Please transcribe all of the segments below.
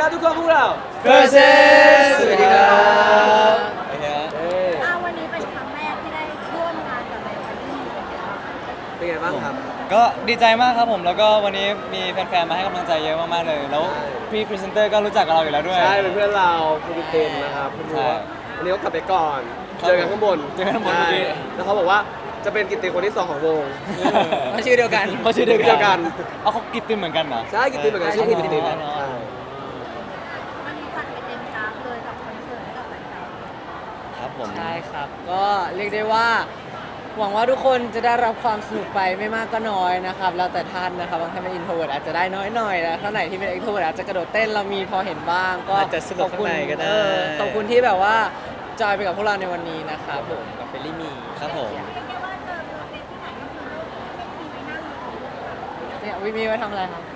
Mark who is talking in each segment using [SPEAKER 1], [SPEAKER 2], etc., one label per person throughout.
[SPEAKER 1] ทุกคนพวกเรา
[SPEAKER 2] Versus สวัสดีครับ
[SPEAKER 3] วันนี้เป็นครั้งแรกที่ได้ร่วมงานกับไบเบิลลี่
[SPEAKER 1] เป็นไงบ้างครับ
[SPEAKER 2] ก็ดีใจมากครับผมแล้วก็วันนี้มีแฟนๆมาให้กำลังใจเยอะมากๆเลยแล้วพี่พรีเซนเตอร์ก็รู้จักกับเราอยู่แล้วด้วย
[SPEAKER 1] ใช่เป็นเพื่อนเราคุณเต็มนะครับคุณรู้ว่าวันนี้เขากลับไปก่อน
[SPEAKER 2] ครับ
[SPEAKER 1] เจอกันข้างบน
[SPEAKER 2] เจอกันข้างบนเมื่อกี้
[SPEAKER 1] ใช่แล้วเขาบอกว่าจะเป็นกิตติคนที่ 2 ของวง
[SPEAKER 4] เพราะชื่อเดียวกัน
[SPEAKER 2] เขาชื่อเดียว
[SPEAKER 1] เดียวกั
[SPEAKER 2] กัน นเอาเขากิตตินเหมือนกันเหรอ
[SPEAKER 1] ใช่กิตติเหมือนกันชื่อกิตติ
[SPEAKER 2] อ๋อ
[SPEAKER 1] ใช่
[SPEAKER 3] วันนี้จัดไปเต็มกราฟเลยกับคอนเสิร์ตให้กับแฟน
[SPEAKER 2] ครับผม
[SPEAKER 4] ใช่ครับ ก็เรียกได้ว่า หวังว่าทุกคนจะได้รับความสนุกไปไม่มากก็น้อยนะครับแล้วแต่ท่านนะครับบางท่านเป็นอินโทรเวิร์ตอาจจะได้น้อยหน่อยนะท่านไหนที่เป็นเอ็กโทรเวิร์ตอาจจะกระโดดเต้นเรามีพอเห็นบ้าง ก็
[SPEAKER 5] อาจจะสนุกข้างในก็ได้
[SPEAKER 4] ขอบคุณที่แบบว่าจอยไปกับพวกเราในวันนี้นะครับผมกับเฟลลี่มี
[SPEAKER 2] ครับผม
[SPEAKER 3] ๆเรียกได้ว่าเจอโปรเจกต์ที่ไหนก็คือไม่มีไปนั่งอยู่
[SPEAKER 4] เนี่ยวิมีไว้ทำอะไรครับ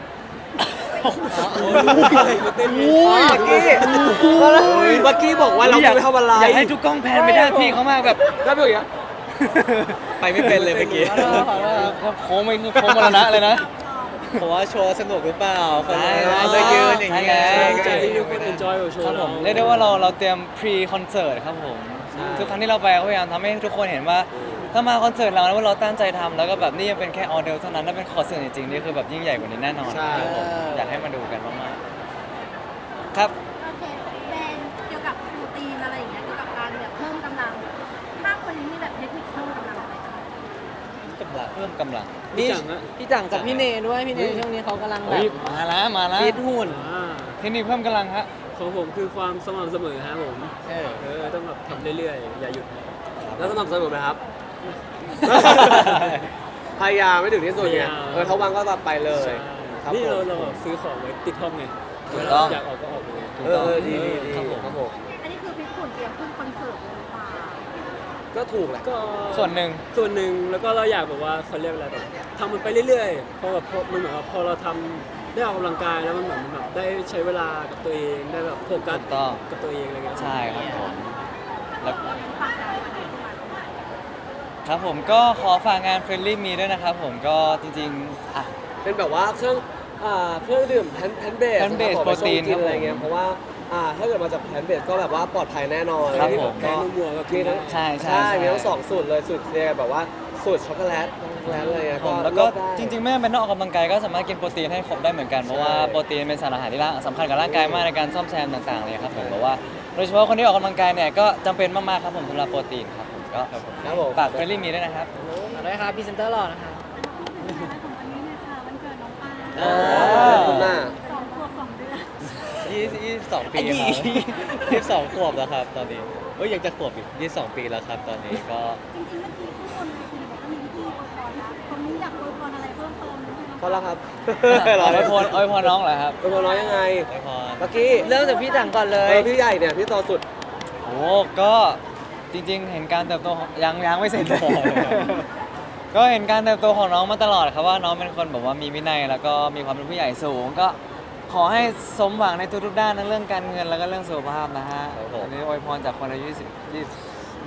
[SPEAKER 1] เต้นเมื่อกี้บอกว่าเราไม่ทำอะไร
[SPEAKER 2] อยากให้ทุกกล้องแพนไปด้านพี่เขามากแบบ
[SPEAKER 1] แล้วเป็นอย่างเงี้ย
[SPEAKER 5] ไปไม่เป็นเลยเมื่อกี้
[SPEAKER 4] ขอโทษขอโทษครับ
[SPEAKER 2] โค้งไม่โค้งมรณะเลยนะ
[SPEAKER 5] เพราะว่าโชว์สนุกหรือเปล่าคน
[SPEAKER 2] ใช่
[SPEAKER 5] จะยืนอย่างนี้
[SPEAKER 2] ใช่
[SPEAKER 1] ใจที่ทุกคนเอนจอยกับโช
[SPEAKER 2] ครับ
[SPEAKER 1] ว์
[SPEAKER 2] ผมเรียกได้ว่าเราเตรียมพรีคอนเสิร์ตครับผมทุกครั้งที่เราไปก็พยายามทำให้ทุกคนเห็นว่าถ้ามาคอนเสิร์ตเราแล้วว่าเราตั้งใจทำแล้วก็แบบนี่ยังเป็นแค่ออเดลเท่านั้นถ้าเป็นคอนเสิร์ตจริงๆนี่คือแบบยิ่งใหญ่กว่านี้แน่นอนครับผมอยากให้มาดูกันมากๆครับ
[SPEAKER 3] โอเคเป็นเกี่ยวกับโปรตีนอะไรอย่างเงี้ยเกี่ยวกับการแบบเพิ่มกำลังถ้าคนนี้มีแบบเทคนิคเพิ่มกำลังอะไรบ้าง
[SPEAKER 2] เพิ่มกำลัง
[SPEAKER 4] นี่พี่จังกับพี่เนด้วยพี่เนช่วงนี้เขากำลังแบ
[SPEAKER 2] เฮ้ย
[SPEAKER 4] บ
[SPEAKER 2] มาแล้วมาแล้ว
[SPEAKER 4] ฟิตหุ่น
[SPEAKER 2] เทคนิคเพิ่มกำลังฮะ
[SPEAKER 6] ของผมคือความสม่ำเสมอฮะผม
[SPEAKER 4] เออ
[SPEAKER 6] ต้องแบบทำเรื่อยๆ อย่าหยุด
[SPEAKER 1] แล้วสม่ำเสมอไหมครับ พยายามไม่ถึงที่สุดไงเขาวางก็แบบไปเลยครับ
[SPEAKER 6] นี่
[SPEAKER 1] ผม
[SPEAKER 6] เราแบบซื้อของไว้ติดห้องไง
[SPEAKER 2] ถูกต้อง
[SPEAKER 6] อยากออกก็ออกเลย
[SPEAKER 1] ดี
[SPEAKER 2] ครับผม
[SPEAKER 1] ครับผม
[SPEAKER 3] อันนี้คือฟิตหุ่นเตรียมขึ้นคอนเสิร์ตเลยหรือเปล่า
[SPEAKER 1] ก็ถูกแหละ
[SPEAKER 6] ก็
[SPEAKER 2] ส่วนหนึ่ง
[SPEAKER 6] ส่วนหนึ่งแล้วก็เราอยากแบบว่าเขาเรียกอะไรแบบทำมันไปเรื่อยๆเพราะแบบมันเหมือนว่าพอเราทำได้ออกกำลังกายแล้วมันเหมือนแบบได้ใช้เวลากับตัวเองได้แบบโฟกัส
[SPEAKER 2] ถูกต้อง
[SPEAKER 6] กับตัวเองอะไรเงี้ย
[SPEAKER 2] ใช่ครับผมแล้ว
[SPEAKER 3] ฝากงานวันนี้ด้วย
[SPEAKER 2] ครับผมก็ขอฝากงาน Friendly Me ด้วยนะครับผมก็จริงๆอ่ะ
[SPEAKER 1] เป็นแบบว่าเครื่องดื่มแพนเบส
[SPEAKER 2] Plant based
[SPEAKER 1] ไปชง
[SPEAKER 2] protein
[SPEAKER 1] กินอะไรเงี้
[SPEAKER 2] ครั
[SPEAKER 1] ย
[SPEAKER 2] บผม
[SPEAKER 1] เพราะว่าถ้าเกิดมาจากแพนเบสก็แบบว่าปลอดภัยแน่นอน
[SPEAKER 2] ครับผม
[SPEAKER 1] ก็
[SPEAKER 6] มัวก็
[SPEAKER 1] มีทั้ง
[SPEAKER 2] ใช่
[SPEAKER 1] มีทั้งสองสูตรเลยสูตรเคลียร์แบบว่าสูตรช็อกโกแลตอะไรเงี้ย
[SPEAKER 2] ผมแล้วก็
[SPEAKER 1] เลือได้
[SPEAKER 2] จริงๆไม่จำเป็นต้องออกกำลังกายก็สามารถกินโปรตีนให้ครบได้เหมือนกันเพราะว่า
[SPEAKER 1] ใช่
[SPEAKER 2] โปรตีนเป็นสารอาหารที่สำคัญกับร่างกายมากในการซ่อมแซมต่างๆเลยครับผมเพราะว่าโดยเฉพาะคนที่ออกกำลังกายเนี่ยก็จำเป็นมากๆครับผมสำหรับโปรตีนครับผมก็
[SPEAKER 1] ครับผม
[SPEAKER 2] ฝาก Friendly Me ด้วยนะครับ
[SPEAKER 4] เอาด้วยครับพรีเซนเตอร์หล่อนะครับ
[SPEAKER 3] ของวันนี้นะคะวันเกิดน้องปา
[SPEAKER 1] ขอบคุณมาก
[SPEAKER 3] 2 ขวบ 2 เดือน
[SPEAKER 5] 22 ปีครับ22 ขวบแล้วครับตอนนี้ยังจะขวบอีก22 ปีแล้วครับตอนนี้ก็
[SPEAKER 3] จริงๆเมื่อกี้ทุกคนในทีมบอกว่ามีพิธีอวยพรนะคนนี้อยากอวยพรอะไรเพิ่มเติมไหมคะ
[SPEAKER 1] พอแล้วครับ
[SPEAKER 2] อวยพรน้องเหรอครับ
[SPEAKER 1] อวยพรน้องยังไง
[SPEAKER 5] ไว้พร
[SPEAKER 1] เมื่อกี้
[SPEAKER 4] เริ่มจากพี่จังก่อนเลย
[SPEAKER 1] พี่ใหญ่เนี่ยพี่โตสุด
[SPEAKER 2] โอ้ก็จริงๆ เห็นการเติบโตของยังไม่เสร็จเลย ก็เห็นการเติบโตของน้องมาตลอดครับว่าน้องเป็นคนแบบว่ามีวินัยแล้วก็มีความเป็นผู้ใหญ่สูงก็ขอให้สมหวังในทุกๆด้านทั้งเรื่องการเงินแล้วก็เรื่องสุขภาพนะฮะอันนี้อวยพรจากคนอายุ20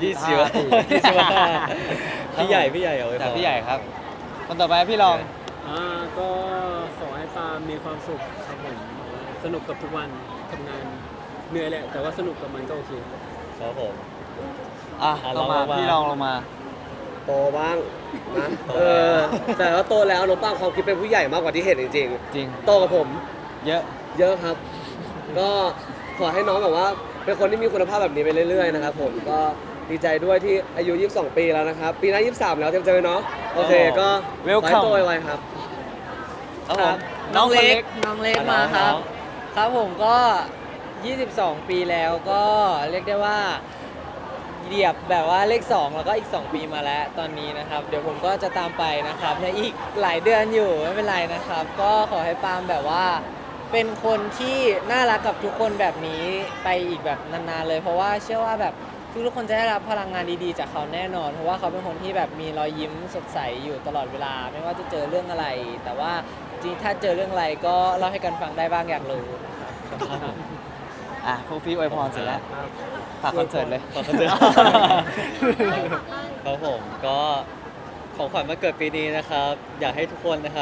[SPEAKER 5] 25พี่ใหญ่เอาไว้พร
[SPEAKER 2] จากพี่ใหญ่ครับคนต่อไปพี่รอง
[SPEAKER 6] ก็ขอให้ปาล์มมีความสุขครับผมสนุกกับทุกวันทำงานเหนื่อยแหละ แต่ว่าสนุกกับมันก็โอเค
[SPEAKER 5] ครับผม
[SPEAKER 2] อ่ะ
[SPEAKER 5] อ่ะ
[SPEAKER 2] ลงมา
[SPEAKER 5] ลองลงมา
[SPEAKER 2] พี่รองลงมา
[SPEAKER 1] โตบ้างนะ
[SPEAKER 5] โตแล้ว
[SPEAKER 1] แต่ว่าโตแล้วน้องป้าความคิดเป็นผู้ใหญ่มากกว่าที่เห็นจริง
[SPEAKER 2] จริง
[SPEAKER 1] ๆโตกับผม
[SPEAKER 2] เยอะ
[SPEAKER 1] เยอะครับ ก็ขอให้น้องแบบว่าเป็นคนที่มีคุณภาพแบบนี้ไปเรื่อยๆนะครับผมก็ดีใจด้วยที่อายุ 22 ปีแล้วนะครับ ปีหน้า 23 แล้วเตรียมเจอเนาะโอเคก็
[SPEAKER 2] Welcome
[SPEAKER 1] ขอให้โตไวๆครับ
[SPEAKER 2] ครับผม
[SPEAKER 4] น้องเล็ก
[SPEAKER 2] คน
[SPEAKER 4] น้องเล็ก
[SPEAKER 2] อ่ะ
[SPEAKER 4] มาครับ
[SPEAKER 2] น้อง
[SPEAKER 4] ครับผมก็ 22 ปีแล้วก็เรียกได้ว่าเหยียบแบบว่าเลข 2 แล้วก็อีก 2 ปีมาแล้วตอนนี้นะครับ เดี๋ยวผมก็จะตามไปนะครับในอีกหลายเดือนอยู่ไม่เป็นไรนะครับ ก็ขอให้ปาล์มแบบว่า เป็นคนที่น่ารักกับทุกคนแบบนี้ไปอีกแบบนานๆเลย เพราะว่าเชื่อว่าแบบทุกคนจะได้รับพลังงานดีๆจากเขาแน่นอน เพราะว่าเขาเป็นคนที่แบบมีรอยยิ้มสดใสอยู่ตลอดเวลา ไม่ว่าจะเจอเรื่องอะไร แต่ว่าจริงๆถ้าเจอเรื่องอะไรก็เล่าให้กันฟังได้บ้างอยากรู้
[SPEAKER 2] ครับผมอ่ะพวกพี่อวยพรเสร็จแล้วฝากคอนเสิร์ตเลย
[SPEAKER 5] ฝากคอนเสิร์ต ครับผมก็ของขวัญวันเกิดปีนี้นะครับ อยากให้ทุกคนนะครับ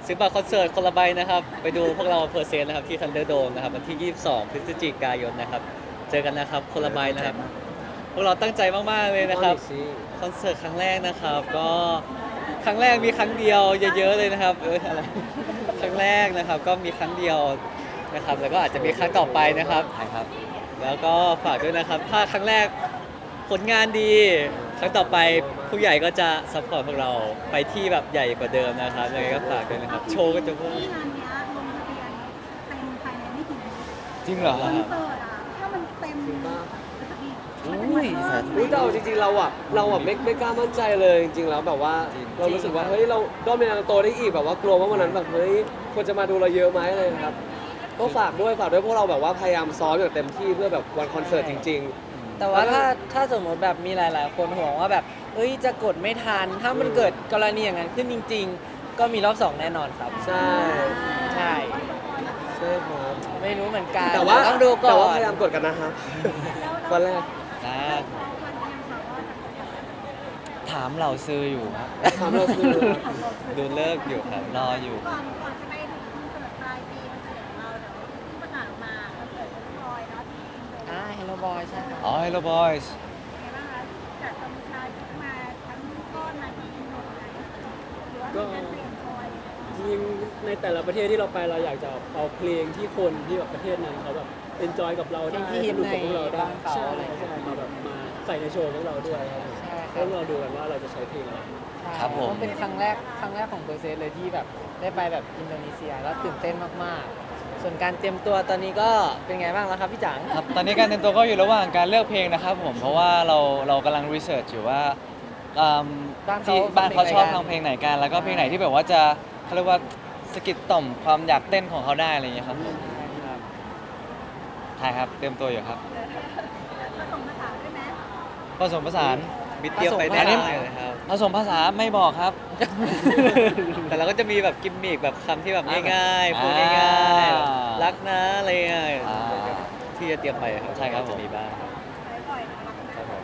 [SPEAKER 5] ซื้อบัตรคอนเสิร์ตคนละใบนะครับ ไปดูพวกเราเพอร์เซนต์นะครับที่ทันเดอร์โดมนะครับวันที่ 22 พฤศจิกายนนะครับ เจอกันนะครับคนละใบนะครับ พวกเราตั้งใจมากๆเลยนะครับ คอนเสิร์ตครั้งแรกนะครับ ก็ครั้งแรกมีครั้งเดียวเยอะๆเลยนะครับอะไรครั้งแรกนะครับก็มีครั้งเดียวนะครับ แล้วก็อาจจะมีครั้งต่อไปนะครับ
[SPEAKER 2] ใช่ครับ
[SPEAKER 5] แล้วก็ฝากด้วยนะครับ ถ้าครั้งแรกผลงานดี ครั้งต่อไปผู้ใหญ่ก็จะซัพพอร์ตพวกเราไปที่แบบใหญ่กว่าเดิมนะครับยังไงก็ฝากด้วยนะครับ โชว์ก็จะพุ่ง
[SPEAKER 3] ที่งานเนี้ยลงทะเบียนเต็มภายในไม่กี่นาที
[SPEAKER 2] จริงเหรอ
[SPEAKER 3] คอนเสิร์ตอ่ะถ้ามันเต็มมันจะมีมันจะมีเพิ่ม
[SPEAKER 1] อุ๊ยแต่เอาจริงๆเราไม่กล้ามั่นใจเลยจริงๆแล้วแบบว่า
[SPEAKER 2] จริง
[SPEAKER 1] เรารู้สึกว่าเฮ้ยเราก็มีนาโตได้อีกแบบว่ากลัวว่าวันนั้นแบบเฮ้ยคนจะมาดูเราเยอะไหมอะไรนะครับก็ฝากด้วยพวกเราแบบว่าพยายามซ้อมอย่างเต็มที่เพื่อแบบวันคอนเสิร์ตจริง
[SPEAKER 4] แต่ว่าถ้าสมมติแบบมีหลาย ๆ คนห่วงว่าแบบเอ้ยจะกดไม่ทัน ถ้ามันเกิดกรณีอย่างนั้นขึ้นจริง ๆ ก็มีรอบ 2 แน่นอนครับ
[SPEAKER 1] ๆ ใช่
[SPEAKER 4] ใช่
[SPEAKER 1] ใช่ครับ
[SPEAKER 4] ไม่รู้เหมือนกัน
[SPEAKER 1] แต่ว่า
[SPEAKER 4] ต้องดูก่
[SPEAKER 1] แต่
[SPEAKER 4] อ
[SPEAKER 1] ว่าน พยายามกดกันนะครับวันแรก
[SPEAKER 2] นะ
[SPEAKER 3] วันยังค่ะว่าจะครบอย่าง
[SPEAKER 2] ถามเหล่าซื้ออยู่ครับ
[SPEAKER 1] ถามเราคือ
[SPEAKER 5] ดูเลิกอยู่ครับ
[SPEAKER 2] รออยู่
[SPEAKER 3] ก่อนจะไปถึงคอนเสิร์ตปลายปีคอนเสิร์ตของเราเดี๋ยวที่ประกาศออกมาคอนเสิร์ตของพลอยเนาะที่อินโด
[SPEAKER 4] Hello Boy ใช่ครับ
[SPEAKER 2] อ๋อ Hello Boys
[SPEAKER 3] เป็นไงบ้างคะจากกัมพูชาที่มาทั้งก้อนมาที่อินโดนะหรือว่ามีการเตรียมพลอย
[SPEAKER 6] จริงๆในแต่ละประเทศที่เราไปเราอยากจะเอาเพลงที่คนที่แบบประเทศนั้นเขาแบบเอนจอยกับเราได้
[SPEAKER 4] เพลงที่ฮิต
[SPEAKER 6] สนุกกับพวกเราได้
[SPEAKER 4] ในบ้านเขา
[SPEAKER 6] ใช่
[SPEAKER 4] อะไรอย่างเงี้ย
[SPEAKER 6] ใช่มาแบบมาใส่ในโชว์พวกเราด้วยครับผม
[SPEAKER 4] ใช่ค
[SPEAKER 6] แล้
[SPEAKER 4] รับ
[SPEAKER 6] วเราดูกันว่าเราจะใช้เพลงอะไร
[SPEAKER 2] ครับผม
[SPEAKER 4] ก็เป็นครั้งแรกของเบอร์เซสเลยที่แบบได้ไปแบบอินโดนีเซียแล้วตื่นเต้นมากๆ ส่วนการเตรียมตัวตอนนี้ก็เป็นไงบ้างแล้วครับพี่จัง
[SPEAKER 2] ครับ ตอนนี้การเตรียมตัวก็อยู่ระหว่างการเลือกเพลงนะครับผม เพราะว่าเรากำลังรีเสิร์ชอยู่ว่าอืม
[SPEAKER 4] บ้านเขา
[SPEAKER 2] ที่บ้านเขาชอบ
[SPEAKER 4] ฟั
[SPEAKER 2] ฟั
[SPEAKER 4] ง
[SPEAKER 2] ง
[SPEAKER 4] เพ
[SPEAKER 2] เพ
[SPEAKER 4] ล
[SPEAKER 2] ล
[SPEAKER 4] ง
[SPEAKER 2] ง
[SPEAKER 4] ไห
[SPEAKER 2] ไห
[SPEAKER 4] น
[SPEAKER 2] น
[SPEAKER 4] กั
[SPEAKER 2] กัน น แล้วก็เพลงไหนที่แบบว่าจะเขาเรียกว่าสะกิดต่อมความอยากเต้นของเขาได้อะไรอย่างเงี้ยครับผมใช่ครับเตรียมตัวอยู่ครับ
[SPEAKER 3] ผสมภาษาด้วยไหม
[SPEAKER 2] ผสมผสาน
[SPEAKER 5] บิดเดียวไป
[SPEAKER 2] อั
[SPEAKER 5] ได้
[SPEAKER 2] นนี้
[SPEAKER 5] นะครับ
[SPEAKER 2] ผสมภาษาไม่บอกครับ
[SPEAKER 5] แต่เราก็จะมีแบบกิมมิกแบบคำที่แบบง่ายๆพูด
[SPEAKER 2] อ่า
[SPEAKER 5] ง่ายๆแบบรักนะอะไรเงี้ย
[SPEAKER 2] อ่า
[SPEAKER 5] ที่จะเตรียมไปครับ
[SPEAKER 2] ใช่ครับผม
[SPEAKER 5] จะมีบ้าง
[SPEAKER 3] ใช้บ่อยนะครับ
[SPEAKER 5] ผม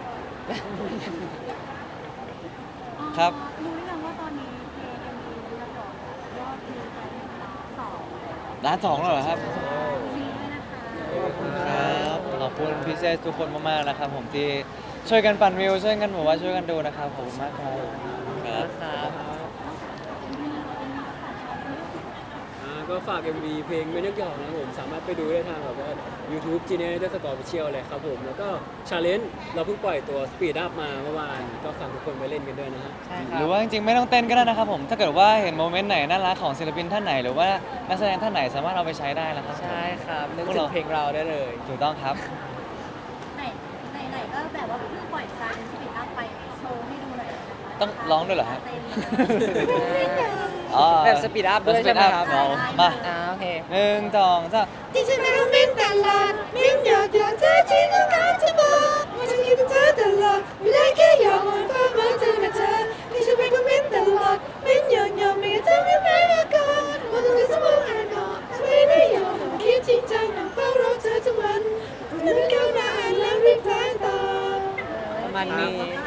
[SPEAKER 2] ครับ
[SPEAKER 3] รู้หรือยังว่าตอนนี้เพลงยังมีเรียกร้องยอดวิวไป1,200,000
[SPEAKER 2] ร้านสองแล้วเหรอครับ
[SPEAKER 3] มีด้วยนะคะ
[SPEAKER 2] ครับขอบคุณพี่เซสทุกคนมากๆนะครับผมที่ช่วยกันปั่นวิวช่วยกันบอกว่าช่วยกันดูนะครับขอบคุณมากครับ
[SPEAKER 5] ครับ
[SPEAKER 6] ก็ฝาก MV เพลงไม่นึกหยอกนะครับผมสามารถไปดูได้ทางแบบว่า YouTube Genius Score Official เลยครับผมแล้วก็ Challenge เราเพิ่งปล่อยตัว Speed Up มาเมื่อวานก็ฝากทุกคนไปเล่นกันด้วยนะฮะ
[SPEAKER 4] ใช่ค
[SPEAKER 2] ห
[SPEAKER 4] รั
[SPEAKER 2] รื
[SPEAKER 4] บ
[SPEAKER 2] อว่าจริงๆไม่ต้องเต้นก็ได้นะครับผม ถ้าเกิดว่าเห็นโมเมนต์ไหนน่ารักของศิลปินท่านไหน หรือว่านักแสดงท่านไหนสามารถเอาไปใช้ได้นะครับ
[SPEAKER 4] ใช่ครับนึก
[SPEAKER 2] พวก
[SPEAKER 4] ถึ
[SPEAKER 2] เรา
[SPEAKER 4] งเพลงเราได้เลย
[SPEAKER 2] ถูกต้องครับ
[SPEAKER 3] ไหนก็แบบว่าเพิ่งปล่อยการสปีดอัพไปโชว์ให้ดูหน่อยนะคะ
[SPEAKER 2] ต้องร้องด้วยเหรอฮะ
[SPEAKER 3] เต้นเลย
[SPEAKER 2] อ๋อ
[SPEAKER 4] แบบสปีดอัพด้วยใช่ไหมครับ
[SPEAKER 2] สปีดอัพมา
[SPEAKER 4] โอเค
[SPEAKER 2] หนึ่งสองสาม
[SPEAKER 7] ที่ฉันนั้นมิ้นตลอดมิ้นอยากเธอที่ต้องการจะบอกว่าฉันคิดถึงเธอตลอดเวลาแค่อยากมองฟ้าเหมือนเธอนะเธอที่ฉันเป็นคนมิ้นตลอดมิ้นอยากมีเธอไม่ไม่มาก่อนว่าต้องจะมองอ่านออกไม่ได้ยอมคิดจริงจังนั่งเฝ้ารอเธอทุกวันนึกเข้าหน้าอ่านแล้วรีบแทงต่อ
[SPEAKER 4] ประมาณนี้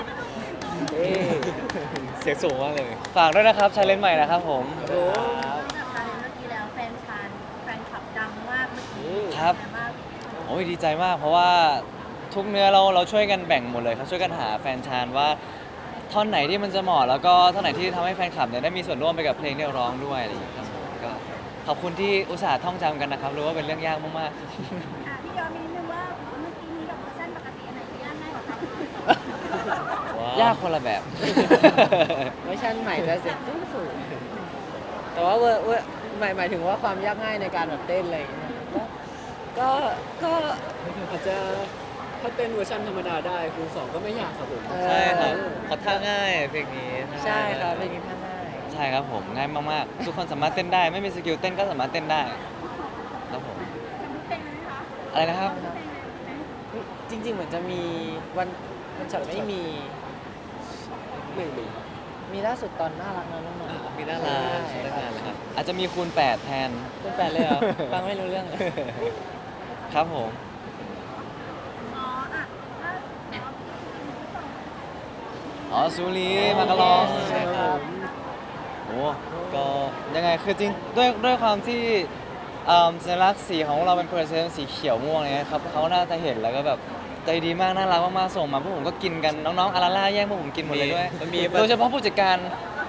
[SPEAKER 5] เสียงสูงมากเลย
[SPEAKER 2] ฝากด้วยนะครับชาเลนจ์ใหม่นะครับผม
[SPEAKER 3] นอกจากการเล่นเมื่อกี้แล้วแฟนคลับดังมากเมื่อกี้
[SPEAKER 2] ครับ
[SPEAKER 3] เป็นไงาง
[SPEAKER 2] โอ้ยดีใจมาก เพราะว่าทุกเนื้อเราช่วยกันแบ่งหมดเลยครับช่วยกันหาแฟนชานว่าท่อนไหนที่มันจะเหมาะแล้วก็ท่อนไหนที่ทำให้แฟนคลับเนี่ยได้มีส่วนร่วมไปกับเพลงที่เราร้องด้วยอะไรอย่างเงี้ยครับก็ขอบคุณที่อุตส่าห์ท่องจำกันนะครับรู้ว่าเป็นเรื่องยากมาก
[SPEAKER 3] อ่ะพี่ยอมมีนิดนึงว่าเมื่อกี้นี้กับเวอร์ชันปกติอันไหนที่ยากง่ายกว่ากัน
[SPEAKER 2] ๆ ยากคนละแบบ
[SPEAKER 4] เวอร์ชันใหม่จะเสียงสูงๆแต่ว่าเวอร์หมายถึงว่าความยากง่ายในการแบบเต้นอะไรอย่างเงี้ยก็
[SPEAKER 6] อาจจะถ้าเต้นเวอร์ชันธรรมดาได้คูณ2ก็ไม่ยากครับผม
[SPEAKER 5] ใช่ครับเขาท่าง่ายเพลงนี้
[SPEAKER 4] ใช่ครับเพลงนี้ท่าง่าย
[SPEAKER 2] ใช่ครับผมง่ายมากๆ ทุกคนสามารถเต้นได้ ไม่มีสกิลเต้นก็สามารถเต้นได้ครับผม
[SPEAKER 3] เป็นไหมคะ
[SPEAKER 2] อะไรนะครับ
[SPEAKER 4] จริง ๆ เหมือนจะมีวันช็อตไม่มี
[SPEAKER 6] ไม่มี
[SPEAKER 4] มีล่าสุดตอนน่ารักนะน้องๆ
[SPEAKER 5] มีน่ารักใช้ตั้งนานแล้วครับ
[SPEAKER 2] อาจจะมีคูณ 8 แทน
[SPEAKER 4] คุณแปดเลยเหรอ ฟังไม่รู้เรื่องเลย
[SPEAKER 2] ครับผม
[SPEAKER 3] อ๋ออ่ะถ้า
[SPEAKER 2] อ๋อซูรีมากะลอง
[SPEAKER 4] ใช่ครับ
[SPEAKER 3] เ
[SPEAKER 2] โอ้
[SPEAKER 5] ก็
[SPEAKER 2] ยังไงคือจริงด้วยความที่สัญลักษณ์สีของเราเป็นเพอร์เซนต์สีเขียวม่วงเนี่ยครับเขาน่าจะเห็นแล้วก็แบบใจดีมากน่ารักมากๆส่งมาพวกผมก็กินกันน้องๆอาราล่าแย่งพวกผมกินหมดเลยด้วย
[SPEAKER 5] มันมี
[SPEAKER 2] โดยเฉพาะผู้จัดการ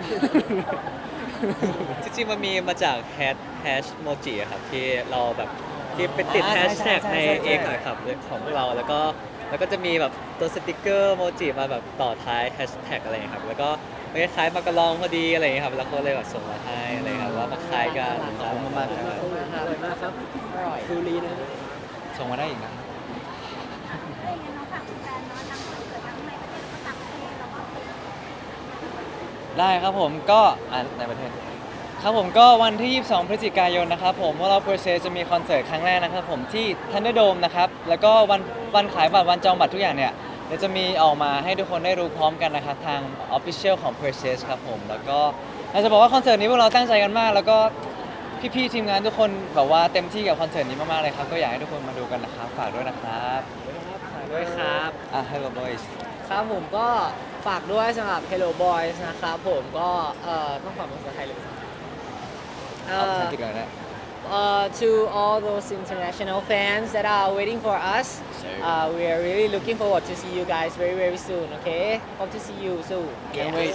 [SPEAKER 5] จริงๆมันมีมาจากแฮชโมจิครับที่เราแบบที่ไปติด
[SPEAKER 2] อ่า
[SPEAKER 5] แฮชแท็ก
[SPEAKER 2] ใช่
[SPEAKER 5] ใน
[SPEAKER 2] ใช่ใช่
[SPEAKER 5] เอกหน่อยครับของพวกเราแล้วก็จะมีแบบตัวสติกเกอร์โมจิมาแบบต่อท้ายแฮชแท็กอะไรอย่างเงี้ยครับแล้วก็มันคล้ายๆมากระลองพอดีอะไรอย่างเงี้ยครับแล้วก็เลยแบบส่งมาให้อะไรครับว่ามันคล้ายกัน
[SPEAKER 2] ขอบคุณมากๆครับ
[SPEAKER 6] อร่อยมากครับ
[SPEAKER 4] อร่อย
[SPEAKER 6] ฟูรีนะ
[SPEAKER 2] ส่งมาได้อีกนะ
[SPEAKER 3] อะไรอย่างเงี้ยน้องฝากแฟนๆเนาะทั้งคอนเสิร์ตทั้งในประเทศแล้วก็ต่างประเทศแล้วก็
[SPEAKER 2] ได้ครับผมก็ในประเทศครับผมก็วันที่ 22 พฤศจิกายนนะครับผมว่าเราเพอร์เซจะมีคอนเสิร์ตครั้งแรกนะครับผมที่ Thunderdome นะครับแล้วก็วันขายบัตรวันจองบัตรทุกอย่างเนี่ยเดี๋ยวจะมีออกมาให้ทุกคนได้รู้พร้อมกันนะครับทาง Official ของ p e r s e ครับผมแล้วก็เราจะบอกว่าคอนเสิร์ตนี้พวกเราตั้งใจกันมาก แล้วก็พี่ๆทีมงานทุกคนแบบว่าเต็มที่กับคอนเสิร์ตนี้มากๆเลยครับก็อยากให้ทุกคนมาดูกันนะครับฝากด้วยนะครับ
[SPEAKER 4] ด้วยครับ
[SPEAKER 2] Hello Boys
[SPEAKER 4] ครับผมก็ฝากด้วยสำหรับ Hello Boys นะครับผมก็ต้องฝากเป็นภาษาไทยเลย
[SPEAKER 2] เอาภาษาอังกฤษก่อนนะ
[SPEAKER 4] to all those international fans that are waiting for us, we are really looking forward to see you guys very very soon. Okay, hope to see you soon.
[SPEAKER 2] Can't wait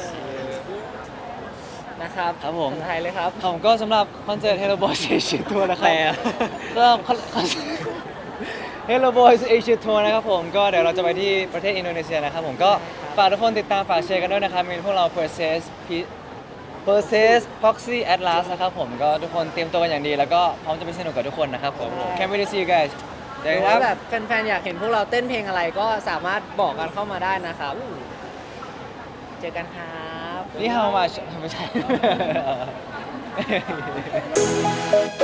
[SPEAKER 4] นะครับ
[SPEAKER 2] ครับผม
[SPEAKER 4] ภาษาไทยเลยครับ
[SPEAKER 2] ผมก็สำหรับคอนเสิร์ต Hello Boys Asia Tour นะครับ
[SPEAKER 5] แปล
[SPEAKER 2] ก็คอนเสิร์ต Hello Boys Asia Tour นะครับผมก็เดี๋ยวเราจะไปที่ประเทศอินโดนีเซียนะครับผมก็ฝากทุกคนติดตามฝากเชียร์กันด้วยนะครับมีพวกเรา Perses Proxy Atlas นะครับผมก็ทุกคนเตรียมตัวกันอย่างดีแล้วก็พร้อมจะไปสนุกกับทุกคนนะครับผม Can't wait to see you guys เจ
[SPEAKER 4] ห
[SPEAKER 2] อ
[SPEAKER 4] รื
[SPEAKER 2] กันค
[SPEAKER 4] อว่า
[SPEAKER 2] รับ
[SPEAKER 4] แบบแฟนๆอยากเห็นพวกเราเต้นเพลงอะไรก็สามารถบอกกันเข้ามาได้นะครับ เจอกันครับ
[SPEAKER 2] นี่ how much ไม่ใช่